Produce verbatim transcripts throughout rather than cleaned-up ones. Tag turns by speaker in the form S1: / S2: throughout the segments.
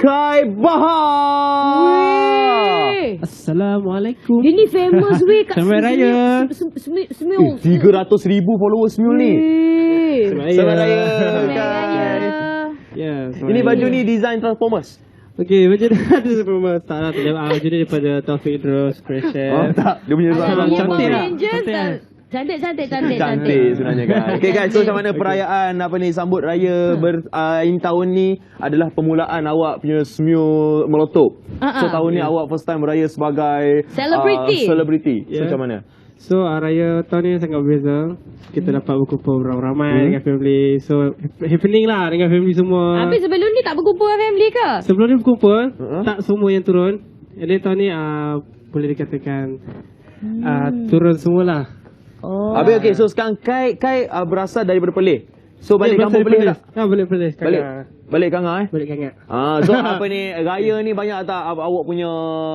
S1: Kai Bahar.
S2: Assalamualaikum.
S3: Dia ni famous weh kat
S2: Selamat Raya.
S3: Semil.
S1: tiga ratus ribu followers Semil ni. Selamat Raya.
S3: Selamat Raya.
S2: Ya.
S1: Ini baju ni design Transformers.
S2: Okey, baju dia ada sebelum tak lah. Baju dia daripada Taufik Idrus Creation.
S1: Oh tak, dia punya
S3: Alah,
S1: design
S3: dia
S2: cantik
S3: Power
S2: tak?
S3: Rangers
S2: Cantik
S3: tak?
S2: tak?
S3: Cantik, cantik, cantik,
S1: Cantik sebenarnya kan. Okey guys, so macam mana
S2: Okey.
S1: perayaan apa ni sambut raya ber, uh, ini tahun ni adalah permulaan awak punya Smule Meletup.
S3: Uh-uh.
S1: So tahun ni awak first time beraya sebagai
S3: Celebrity.
S1: Uh, celebrity. So
S2: Yeah.
S1: macam mana?
S2: So, uh, raya tahun ni sangat berbeza. Kita dapat berkumpul ramai-ramai
S1: Hmm.
S2: dengan family. So, happening lah dengan family semua.
S3: Habis sebelum ni tak berkumpul dengan family ke?
S2: Sebelum ni berkumpul,
S1: Uh-huh.
S2: tak semua yang turun. Jadi tahun ni uh, boleh dikatakan uh, turun semualah.
S3: Oh.
S1: Habis okey, so sekarang Kai Kai uh, berasal daripada Perlis. So balik
S2: Ya,
S1: kampung
S2: berasal
S1: Perlis
S2: dari
S1: tak?
S2: Ha, balik Perlis.
S1: Balik.
S2: Kakak.
S1: Balik Kanga eh?
S2: Balik kangat.
S1: Ah, so apa ni raya ni banyak tak aw- awak punya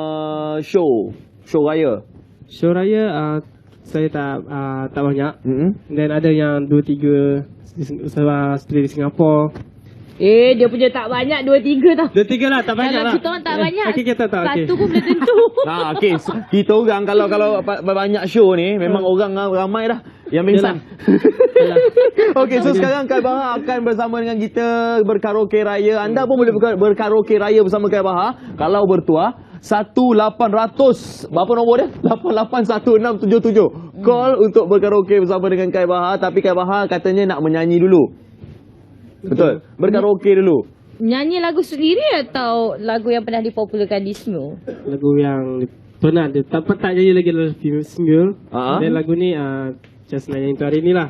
S1: show? Show raya.
S2: Show raya uh, saya tak uh, tak banyak.
S1: Hmm.
S2: Dan ada yang dua tiga di Sing- uh, seperti di Singapura.
S3: Eh, dia punya tak banyak, dua tiga tau.
S2: Dua tiga lah, tak banyak
S3: Kalau
S2: lah.
S3: kita orang tak banyak,
S2: Okey, kita tak. Okey.
S3: satu pun boleh tentu.
S1: Nah, okey. So, kita orang kalau kalau pa- banyak show ni memang orang ramai dah yang pingsan.
S2: Yalah.
S1: Okey, so sekarang Kai Bahar akan bersama dengan kita berkaraoke raya. Anda pun boleh berka- berkaraoke raya bersama Kai Bahar kalau bertuah satu lapan kosong berapa nombor dia? lapan lapan satu enam tujuh tujuh. Call untuk berkaraoke bersama dengan Kai Bahar, tapi Kai Bahar katanya nak menyanyi dulu. Betul. Berkaraoke dulu.
S3: Nyanyi lagu sendiri atau lagu yang pernah dipopularkan di Smule?
S2: Lagu yang pernah dia tak tak jadi lagi dalam film Smule.
S1: Ah.
S2: Dan lagu ni uh, just nak nyanyi untuk hari ni lah.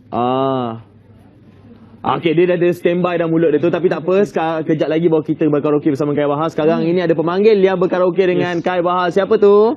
S1: Ah. Okey, dia dah ada standby dah mulut dia tu, tapi tak apa. Sekarang kejap lagi baru kita berkaraoke bersama Kai Bahar. Sekarang ini ada pemanggil yang berkaraoke dengan Kai Bahar. Siapa tu?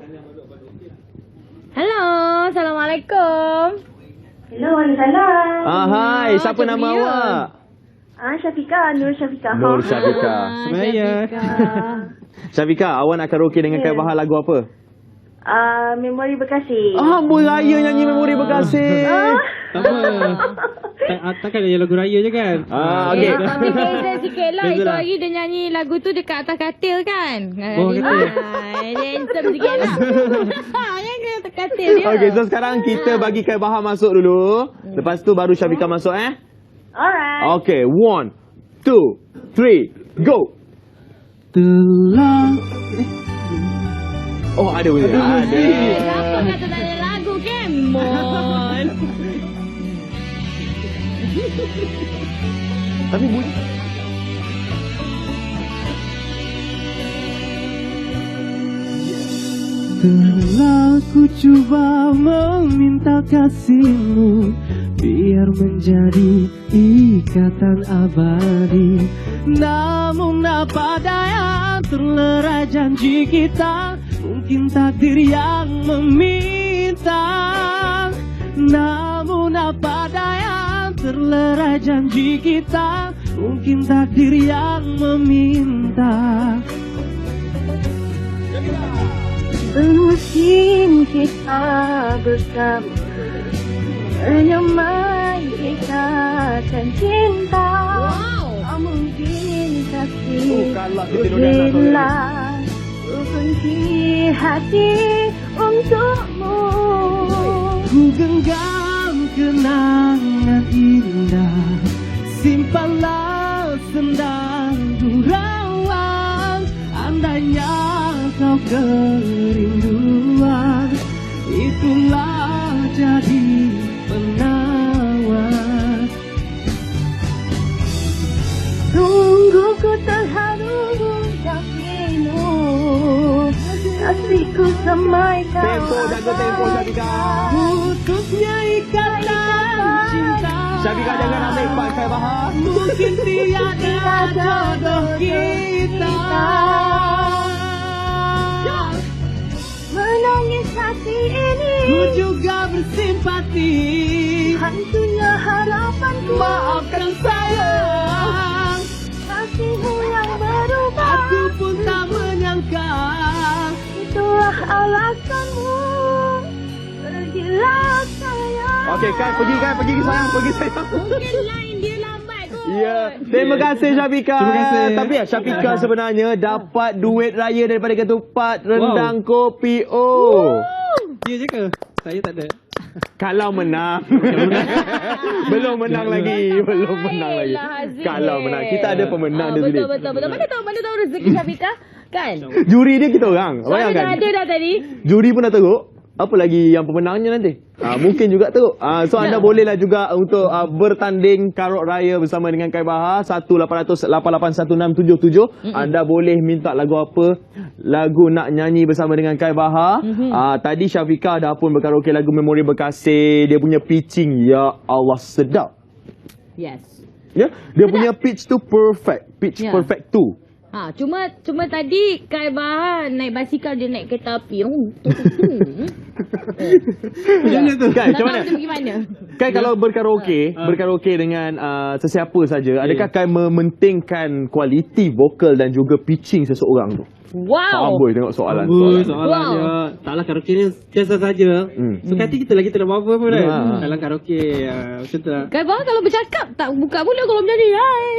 S3: Hello, Assalamualaikum.
S4: Hello, Waalaikumsalam.
S1: Ah, hai.
S3: Oh,
S1: Siapa
S3: macam
S1: nama
S3: dia.
S1: awak?
S4: Ah, Syafiqah, Nur Syafiqah.
S1: Nur Syafiqah.
S3: Ah,
S2: Semaya.
S3: Syafiqah.
S1: Syafiqah, awak nak karaoke dengan Kai Bahar lagu apa?
S4: Ah, Memori Bekasi.
S1: Ah, Amboi Raya nyanyi Memori Bekasi.
S2: Tak apa. tak, ah, takkan nyanyi lagu raya je kan?
S1: Ah,
S3: Okay.
S1: okey.
S3: Eh, tapi beza sikit lah.
S2: Beza
S3: Itu
S2: lah.
S3: hari dia nyanyi lagu tu dekat atas katil kan?
S2: Oh, katil.
S3: Ah, dia handsome sikit lah. Ha, yang ke atas katil dia.
S1: Okey, so sekarang kita bagi Kai Bahar masuk dulu. Lepas tu baru Syafiqah masuk eh.
S4: Alright.
S1: Okey, one, two, three, go.
S2: Telah.
S1: Oh, ada bunyi. Ada.
S3: Eh, siapa kata tak ada lagu? Kemon.
S1: Tapi bunyi.
S2: Telah ku cuba meminta kasihmu biar menjadi ikatan abadi. Namun apa daya terlerai janji kita, mungkin takdir yang meminta. Namun apa daya terlerai janji kita, mungkin takdir yang meminta.
S4: Mungkin kita bersama menyamai ikatan cinta.
S3: Wow.
S4: Tak mungkin
S1: Oh,
S4: kasih
S1: kalah kita Nurul
S4: bila ku kunci hati untukmu.
S2: Ku genggam kenangan indah, simpanlah sendang gurauan. Andainya kau kerinduan, itulah jadi penawar.
S4: Tunggu ku terharu dan pilu, kasihku samaikan.
S1: Tempo, jaga tempo Syafiqah.
S2: Putusnya ikatan cinta.
S1: Syafiqah jangan ambil part Kai Bahar.
S2: Mungkin tiada jodoh kita.
S4: Menangis hati ini,
S2: Ku juga bersimpati.
S4: hancurnya harapanku.
S2: Maafkan sayang,
S4: Kasihmu yang berubah,
S2: aku pun tak menyangka.
S4: itulah alasanmu. Pergilah sayang.
S1: Okey, Kai pergi Kai pergi sayang, pergi sayang.
S3: Mungkin line dia lambat kot.
S1: Ya, terima kasih Syafika.
S2: Terima kasih.
S1: Tapi ya Syafika sebenarnya dapat duit raya daripada ketupat rendang kopi O.
S2: Ya je ke? Saya tak ada.
S1: Kalau menang. Belum menang lagi. Belum menang lagi.
S3: Yelah, Haziq.
S1: Kalau menang. Kita ada pemenang
S3: Ah,
S1: di sini.
S3: betul, betul, betul. Mana tahu, mana tahu rezeki Syafika? Kan?
S1: Juri dia kita orang.
S3: Soalnya dah
S1: Bayangkan.
S3: ada dah tadi.
S1: Juri pun dah teruk. Apa lagi yang pemenangnya nanti? Ah, mungkin juga teruk. Ah, so anda bolehlah juga untuk ah, bertanding karut raya bersama dengan Kai Bahar satu lapan kosong kosong lapan lapan satu enam tujuh tujuh. Mm-hmm. Anda boleh minta lagu apa? Lagu nak nyanyi bersama dengan Kai Bahar. Mm-hmm. Ah, tadi Syafika dah pun berkaraoke lagu Memori Berkasih. Dia punya pitching, ya Allah, sedap.
S3: Yes.
S1: Ya, dia punya pitch tu perfect. Pitch
S3: Ya.
S1: perfect tu.
S3: Ha, cuma cuma tadi Kai Bahar naik basikal dia naik kereta api. Oh, tu, tu, tu.
S2: Macam mana tu?
S1: Kan,
S3: Tak
S1: macam
S3: tahu
S1: mana?
S3: dia pergi mana.
S1: Kan kalau berkaraoke, berkaraoke dengan uh, sesiapa saja, adakah Kai mementingkan kualiti vokal dan juga pitching seseorang tu?
S3: Wow.
S1: Amboi tengok soalan.
S2: Ui,
S1: soalan.
S2: soalannya. Taklah karaoke ni biasa saja.
S1: Hmm.
S2: Suka hati kita lagi tak ada apa-apa pun kan.
S1: Hmm.
S2: Dalam karaoke, uh, macam tu lah.
S3: Kai Bahar kalau bercakap tak buka mulut kalau menyanyi.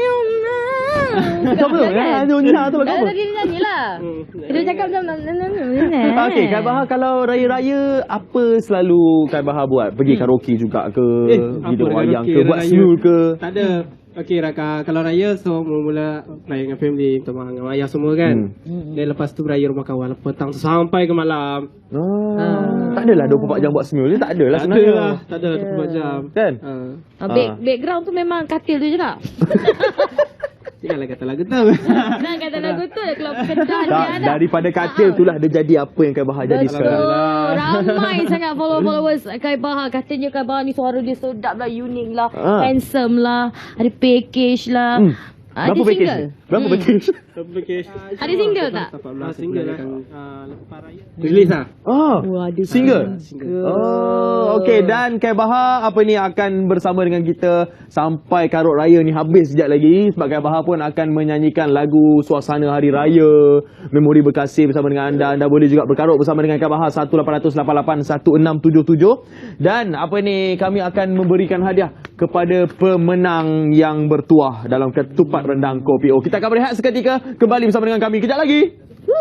S1: Macam mana? Ya, nyonya tu lagu
S3: Kalau
S1: apa?
S3: tadi dia nyanyi lah.
S2: Hmm.
S3: Dia cakap macam
S1: Okey, Kai Bahar kalau raya-raya apa selalu Kai Bahar buat? Pergi karaoke juga ke?
S2: Eh,
S1: Pergi
S2: apa
S1: wayang
S2: karaoke
S1: ke? Buat
S2: raya?
S1: smule ke?
S2: Tak ada. Okey, Raka, kalau raya so mula-mula raya dengan family, teman dengan ayah semua kan.
S1: Hmm.
S2: Dan lepas tu beraya rumah kawan petang tu sampai ke malam.
S1: Ah, tak adalah dua puluh empat jam buat smule. Tak adalah
S2: Tak ada
S1: sebenarnya.
S2: lah, tak ada lah dua puluh empat jam.
S1: Kan?
S2: Uh,
S3: Ah, back, background tu memang katil tu je tak?
S2: janganlah kata lagu tu.
S3: Jangan kata lagu tu dah keluar kedah dia
S1: Tak,
S3: ada.
S1: daripada katil itulah dia jadi apa yang Kai Bahar jadi
S3: Betul.
S1: sekarang.
S3: Ramai sangat follow-followers Kai Bahar. Katanya Kai Bahar ni suara dia sedap lah, unik lah,
S1: Ah.
S3: handsome lah, ada package lah.
S1: Hmm.
S3: Ada
S1: Berapa package
S3: single?
S1: ni? Berapa
S3: Hmm.
S1: package?
S3: Ada single tak?
S2: Ah, single lah. Uh, lepas raya. Release lah.
S1: Oh,
S3: Oh, ada
S1: single.
S2: Single.
S1: Oh, okey. Dan Kai Bahar apa ni akan bersama dengan kita sampai karut raya ni habis sekejap lagi. Sebab Kai Bahar pun akan menyanyikan lagu suasana hari raya, Memori Berkasih bersama dengan anda. Anda boleh juga berkarut bersama dengan Kai Bahar satu lapan kosong kosong lapan lapan satu enam tujuh tujuh. Dan apa ni kami akan memberikan hadiah kepada pemenang yang bertuah dalam ketupat rendang kopi O. Kita akan berehat seketika, kembali bersama dengan kami kejap lagi.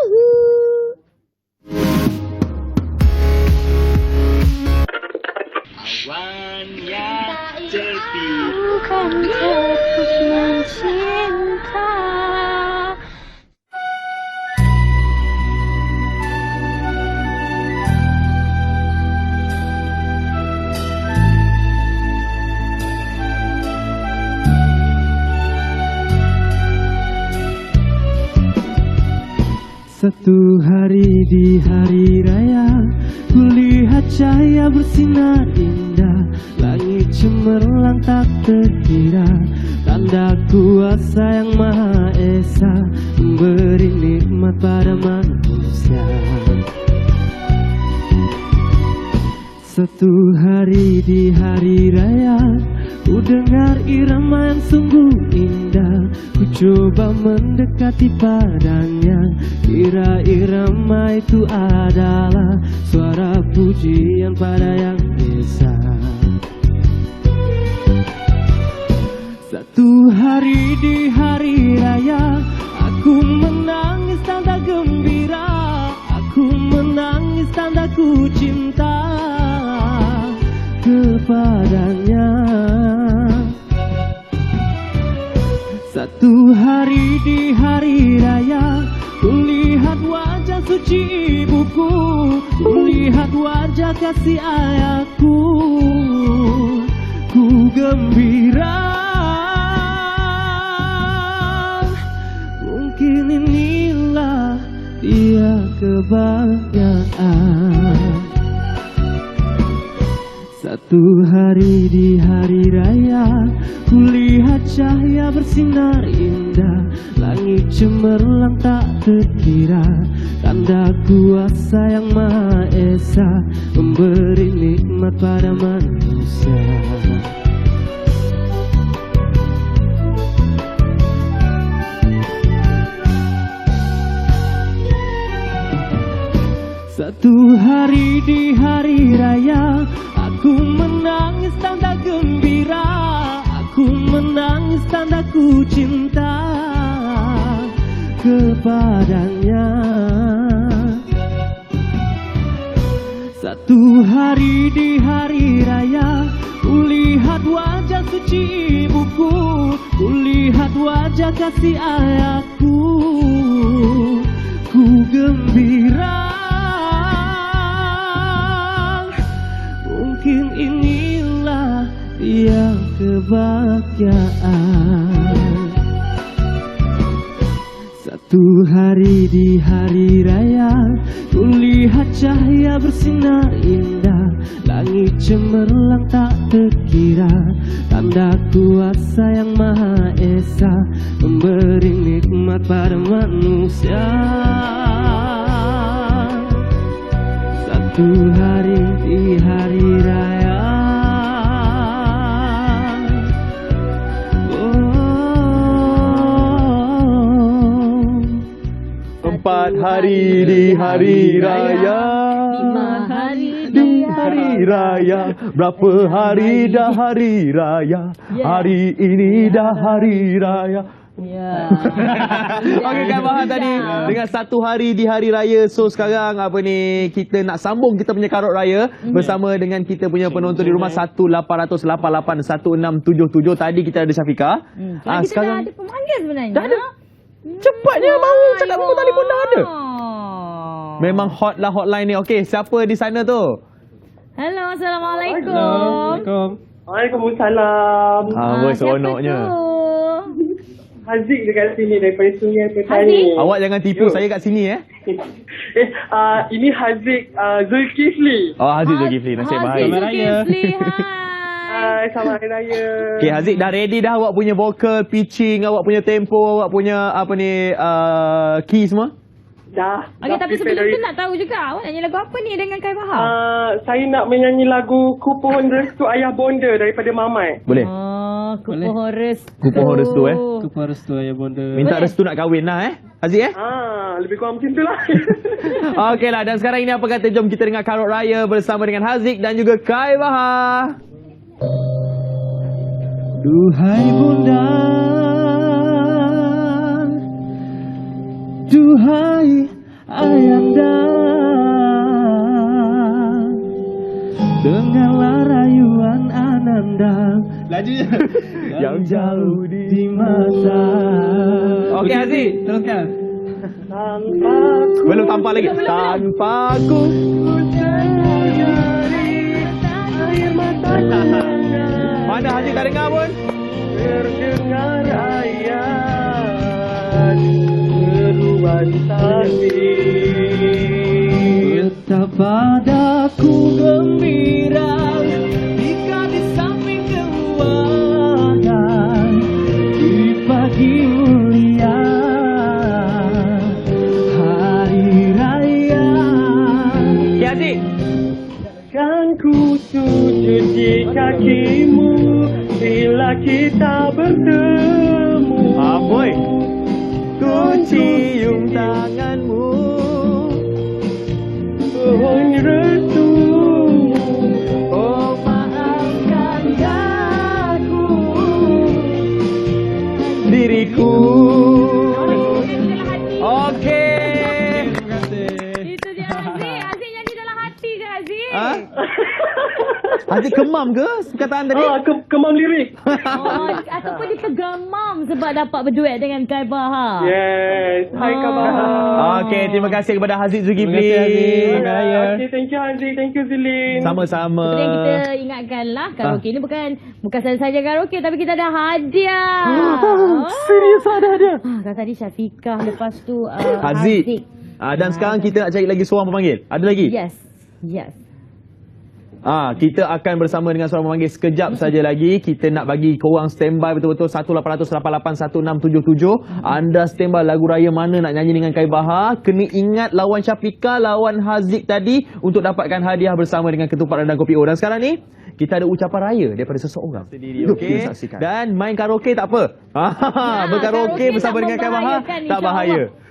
S4: Bukan terus mencinta.
S2: Satu hari di hari raya, kulihat cahaya bersinar indah, langit cemerlang tak terkira, tanda kuasa yang maha esa, memberi nikmat pada manusia. Satu hari di hari raya, ku dengar irama yang sungguh indah, ku coba mendekati padanya, kira irama itu adalah suara pujian pada yang esa. Satu hari di hari raya, aku menangis tanda gembira, aku menangis tanda ku cinta kepadanya. Satu hari di hari raya, kulihat wajah suci ibuku, kulihat wajah kasih ayahku, ku gembira. Mungkin inilah dia kebahagiaan. Satu hari di hari raya, kulihat cahaya bersinar indah, langit cemerlang tak terkira, tanda kuasa yang maha esa, memberi nikmat pada manusia. Satu hari di hari raya, aku menangis tanda gembira, aku Ku menangis tanda ku cinta kepadanya. Satu hari di hari raya, kulihat wajah suci ibuku, kulihat wajah kasih ayahku, ku gembira. Mungkin inilah yang kebahagiaan. Satu hari di hari raya, kulihat cahaya bersinar indah, langit cemerlang tak terkira, tanda kuasa yang maha esa memberi nikmat pada manusia. Satu hari di hari raya,
S1: Empat hari di hari raya,
S3: Lima hari
S1: di hari raya, berapa hari dah hari raya,
S3: Ya.
S1: hari ini dah hari raya.
S3: Ya.
S1: Okey Kak Bahar tadi dengan satu hari di hari raya. So sekarang apa ni, kita nak sambung kita punya karut raya bersama dengan kita punya penonton di rumah satu lapan kosong kosong lapan lapan satu enam tujuh tujuh. Tadi kita ada Syafiqah.
S3: Hmm.
S1: Ah,
S3: Kita dah
S1: sekarang
S3: ada pemanggil sebenarnya.
S1: dah ada. Cepatnya baru cakap nombor telefon dah ada. Memang hot lah hotline ni. Okey, siapa di sana tu?
S3: Hello, Assalamualaikum.
S2: Assalamualaikum.
S5: Waalaikumsalam.
S1: Ah, boy seronoknya.
S5: Haziq dekat sini daripada Sungai
S3: Haziq?
S5: Petani.
S1: Awak jangan tipu
S5: Yo.
S1: saya kat sini eh.
S5: eh, uh, ini Haziq uh, Zulkifli.
S1: Oh, Haziq Zulkifli, nasib baik.
S2: Selamat Raya.
S5: Hai, selamat Hari Raya.
S1: Okey, Haziq dah ready dah awak punya vocal, pitching, awak punya tempo, awak punya apa ni uh, key semua?
S5: Dah.
S3: Okey,
S5: dah
S3: tapi
S5: prepare
S3: sebelum
S5: dari-
S3: tu nak tahu juga awak nyanyi lagu apa ni dengan Kai Bahar?
S5: Uh, saya nak menyanyi lagu Ku Pohon Restu Ayah Bonda daripada Mamai.
S1: Boleh?
S3: Oh, ku
S2: Boleh.
S3: pohon restu.
S1: Ku pohon restu, eh.
S2: Ku restu ayah bonda.
S1: Minta
S3: Boleh.
S1: restu nak kahwin lah eh. Haziq eh?
S5: Ah, lebih kurang macam tu lah.
S1: Okeylah, dan sekarang ini apa kata jom kita dengar karut raya bersama dengan Haziq dan juga Kai Bahar.
S2: Duhai bunda, duhai ayanda, dengarlah rayuan ananda. Lajunya yang jauh di mata.
S1: Okey Haziq,
S2: teruskan.
S5: Tanpa ku
S1: belum tampak lagi. Tanpa aku.
S5: air mata
S1: Mana Haziq tak dengar pun?
S5: terdengar ayat seruan tasbih.
S2: Betapa padaku gembira jika di samping keluarga di pagi mulia hari raya.
S1: Okey Haziq.
S5: Kan ku sujud di kakimu bila kita bertemu.
S1: Ah, boy. Ku cium tanganmu.
S5: Pohon restu.
S1: Oh,
S5: Maafkan aku.
S1: diriku. Okey.
S2: Terima kasih.
S3: Itu dia Aziz. Aziz nyanyi dalam hati je Aziz.
S1: Ha? Haziq kemam ke perkataan tadi?
S5: Ah, ke kemam lirik.
S3: Oh, ataupun dia tergamam sebab dapat berduet dengan Kai Bahar.
S5: Yes. Hai
S3: Oh.
S5: khabar.
S1: Okey, terima kasih kepada Haziq Zulkifli.
S2: Terima kasih, Haziq. Selamat Raya.
S5: Okay, thank you Haziq. Thank you Zilin.
S1: Sama-sama.
S3: Seperti yang kita ingatkanlah, karaoke ni bukan bukan saja-saja karaoke tapi kita ada hadiah. Oh.
S1: Serius ada dia.
S3: Ah, kan tadi Syafiqah, lepas tu uh,
S1: Haziq. Ah, dan sekarang kita nak cari lagi seorang pemanggil. Ada lagi?
S3: Yes. Yes.
S1: Ah, kita akan bersama dengan seorang pemanggil sekejap saja lagi. Kita nak bagi korang standby betul-betul satu lapan kosong kosong lapan lapan satu enam tujuh tujuh. Anda standby lagu raya mana nak nyanyi dengan Kai Bahar. Kena ingat lawan Syafiqah, lawan Haziq tadi untuk dapatkan hadiah bersama dengan ketupat rendang kopi O. Dan sekarang ni kita ada ucapan raya daripada seseorang sendiri. Okey. Dan main karaoke tak apa. Ha, berkaraoke
S3: karaoke
S1: bersama
S3: tak
S1: dengan Kai Bahar
S3: membahayakan,
S1: tak bahaya.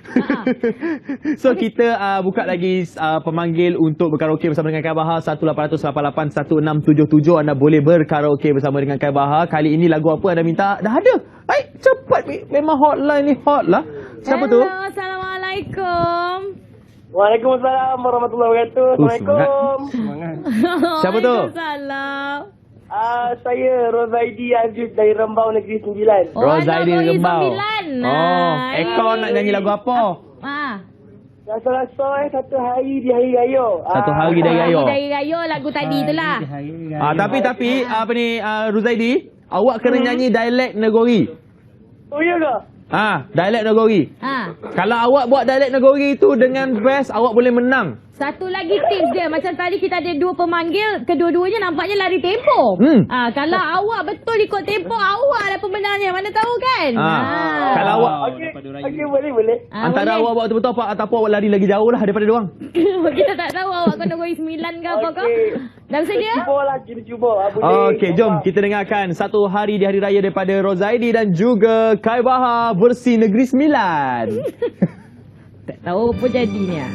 S1: So kita uh, buka lagi uh, pemanggil untuk berkaraoke bersama dengan Kai Bahar satu lapan kosong lapan lapan satu enam tujuh tujuh. Anda boleh berkaraoke bersama dengan Kai Bahar. Kali ini lagu apa anda minta? Dah ada. Baik, cepat. Memang hotline ni hot lah. Siapa
S3: Hello,
S1: tu?
S3: Assalamualaikum.
S5: Waalaikumsalam warahmatullahi wabarakatuh. Assalamualaikum.
S1: Siapa tu?
S3: Waalaikumsalam.
S5: Ah, saya Rozaidi Aziz dari Rembau Negeri Sembilan.
S3: Oh,
S1: Rozaidi
S3: anak Roy
S1: Rembau.
S3: Sembilan.
S1: Oh,
S3: Ah,
S1: Ekor nak nyanyi lagu apa?
S3: Ah.
S5: Rasa-rasa eh satu hari di hari raya.
S1: Satu hari dari raya.
S3: Dari raya lagu tadi tu lah.
S1: Ah, tapi tapi apa ni uh, Ruzaidi, awak kena nyanyi dialek Negori.
S5: Oh ya ke?
S1: Ah, dialek Negori.
S3: Ha.
S1: Kalau awak buat dialek Negori tu dengan best, awak boleh menang.
S3: Satu lagi tips dia. Macam tadi kita ada dua pemanggil. Kedua-duanya nampaknya lari tempoh.
S1: Hmm.
S3: Ah, kalau awak betul ikut tempoh, awak lah pemenangnya. Mana tahu kan?
S1: Ah. Kalau awak
S5: Okey, okey boleh boleh.
S3: Ah,
S1: antara
S3: boleh.
S1: awak buat betul-betul apa ataupun awak lari lagi jauh lah daripada dia orang.
S3: Kita tak tahu awak kena Negeri Sembilan ke apa ke.
S5: Okey.
S3: Dah bersedia?
S5: Cuba lah, kita cuba. Ah, boleh.
S1: Okey, jom kita dengarkan Satu Hari di Hari Raya daripada Rozaidi dan juga Kai Bahar versi Negeri Sembilan.
S3: Tak tahu apa jadinya.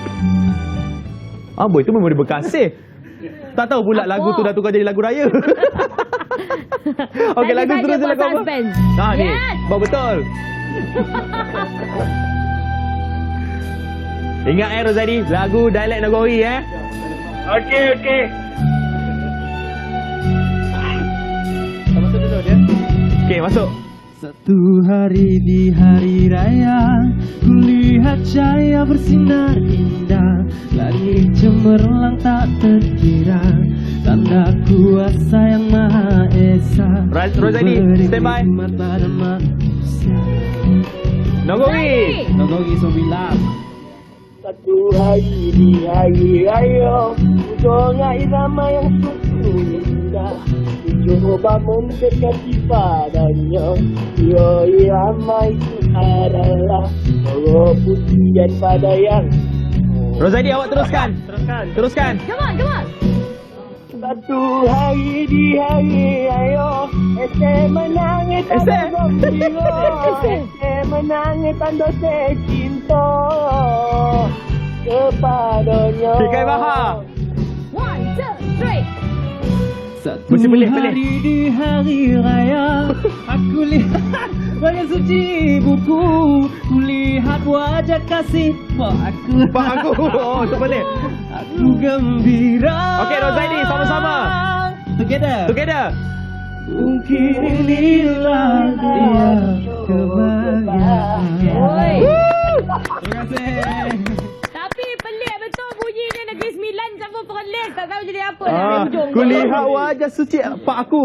S1: Ah, boy, itu memori berkasih. Tak tahu pula
S3: Apa?
S1: lagu tu dah tukar jadi lagu raya. Okey, lagu
S3: Saja
S1: seterusnya
S3: buat
S1: lagu apa?
S3: suspense.
S1: Ah, ni.
S3: Yes.
S1: Buat betul. Ingat eh Rozaidi, lagu dialek Negori eh.
S5: Okey, okey.
S1: Masuk dulu dia. Okey, masuk.
S2: Satu hari di hari raya, kulihat cahaya bersinar indah, langit cemerlang tak terkira, tanda kuasa yang maha esa.
S1: Ro- Rozaidi,
S2: Beri
S1: stand by.
S2: hikmat pada manusia.
S1: Negori.
S2: Negeri Sembilan.
S5: Satu hari di hari raya, Udonga irama yang sungguh indah, Cuba mendekati padanya. Ya irama itu adalah Moro pujian pada yang.
S1: Rozaidi, awak teruskan.
S5: Teruskan.
S1: Teruskan.
S3: Come on, come on.
S5: Satu hari di hari raya, Ese menangis tanda gembira, Ese menangis tanda cinta kepadanya.
S1: Okey, Kai Bahar.
S3: One, two, three.
S2: Satu
S1: Mesti boleh, boleh.
S2: hari di hari raya, aku lihat banyak suci buku, kulihat wajah kasih pak aku.
S1: Pak aku. Oh, tu boleh.
S2: Aku gembira.
S1: Okey, Rozaidi, sama-sama.
S2: Together.
S1: Together.
S2: Mungkin inilah dia kebahagiaan.
S3: Oi.
S2: Terima kasih.
S3: Tapi pelik betul bunyinya Negeri Sembilan campur Perlis. Tak tahu jadi apa dah
S1: Ah,
S3: dari hujung.
S1: kulihat wajah suci pak aku.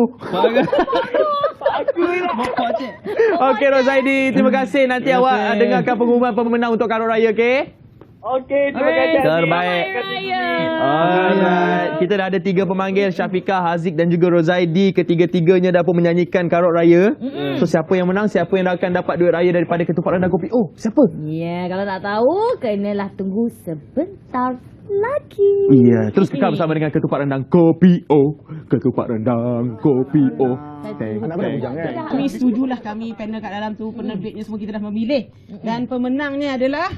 S2: Bapak cik.
S1: Okey Rozaidi, terima kasih. Nanti
S2: Terima
S1: awak
S2: kasih.
S1: uh, dengarkan pengumuman pemenang untuk Karo Raya, okey?
S5: Okey, terima
S3: Alright.
S5: kasih.
S1: Terbaik.
S3: Selamat Raya.
S1: Alright. Kita dah ada tiga pemanggil, Syafiqah, Haziq dan juga Rozaidi. Ketiga-tiganya dah pun menyanyikan Karot Raya. Mm-hmm. So siapa yang menang, siapa yang akan dapat duit raya daripada Ketupat Rendang Kopi O? Siapa?
S3: Ya, kalau tak tahu, kenalah tunggu sebentar lagi.
S1: Iya, terus kekal bersama dengan Ketupat Rendang Kopi O. Ketupat Rendang Kopi O. Teng, teng, teng.
S6: Kami setujulah, kami panel kat dalam tu, penerbitnya semua kita dah memilih. Dan pemenangnya adalah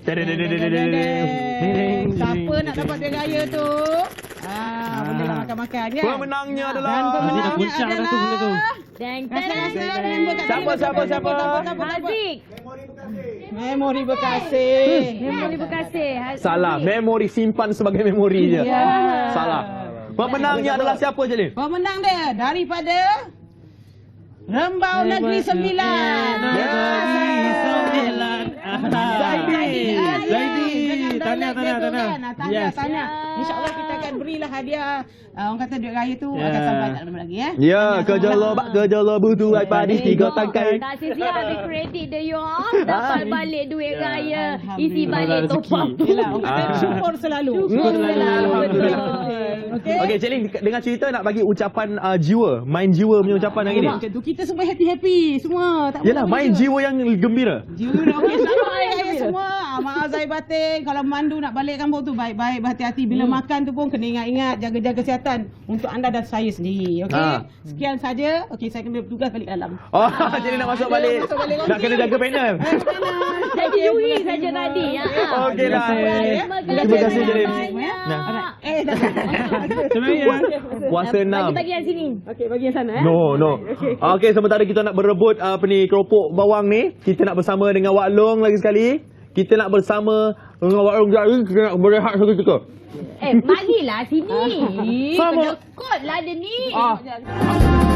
S1: Teng,
S6: siapa nak dapat duit raya tu? Ah, bolehlah makan-makan kan?
S1: Pemenangnya adalah
S6: Dan pemenangnya
S2: goncang dah tu
S6: adalah
S2: benda tu.
S3: Deng,
S6: Rasa-rasa
S3: deng.
S6: member kat
S1: Siapa,
S6: sini.
S1: siapa, siapa?
S3: Haziq.
S6: Memori berkasih.
S3: Memori berkasih. Haziq.
S1: Salah, memori simpan sebagai memori je.
S6: Ya.
S1: Salah. Pemenangnya adalah siapa je ni?
S6: Pemenang dia daripada Rembau Negeri Sembilan.
S1: Zaidi.
S2: Zaidi. Tahniah, tahniah, tahniah.
S6: Tahniah,
S2: Yes.
S6: tahniah. InsyaAllah kita akan berilah hadiah. Uh, orang kata duit raya tu
S2: Ya.
S6: akan sampai tak lama lagi ya.
S1: Ya, kerja lobak, kerja lobu tu padi tiga tangkai.
S3: Tak sia-sia habis kredit dia you all. Dapat balik duit raya. Isi balik top up.
S6: Yelah, orang kata
S2: Ah.
S6: syukur selalu.
S3: Syukur selalu. Betul.
S6: Okey.
S1: Okey, Cik Ling, dengan cerita nak bagi ucapan uh, jiwa, main jiwa punya ucapan hari ni.
S6: Macam tu kita semua happy-happy semua. Tak
S1: Yalah,
S6: apa-apa
S1: main
S6: je.
S1: jiwa yang gembira.
S6: Jiwa dah okey. Selamat hari raya semua. Ah, maaf Zahir batin. Kalau mandu nak balik kampung tu baik-baik berhati-hati. Bila hmm. makan tu pun kena ingat-ingat jaga-jaga kesihatan untuk anda dan saya sendiri. Okey.
S1: Ha.
S6: Sekian saja. Okey, saya kena bertugas balik dalam.
S1: Oh, jadi nak masuk balik.
S6: masuk balik
S1: Nak kena jaga panel.
S3: Jadi Yui saja tadi. Ya.
S1: Okeylah.
S3: Terima
S1: Terima kasih Jerin.
S3: banyak.
S1: Nah.
S6: Eh, dah.
S1: Puasa enam.
S3: Bagi-bagi yang sini.
S6: Okey, bagi yang sana eh.
S1: No, no. Okey, sementara kita nak berebut uh, apa ni keropok bawang ni, kita nak bersama dengan Wak Long lagi sekali. Kita nak bersama dengan Wak Long jadi kita nak berehat seketika.
S3: Eh, marilah sini.
S1: Sama.
S3: Penekut lah dia ni.
S1: Ah.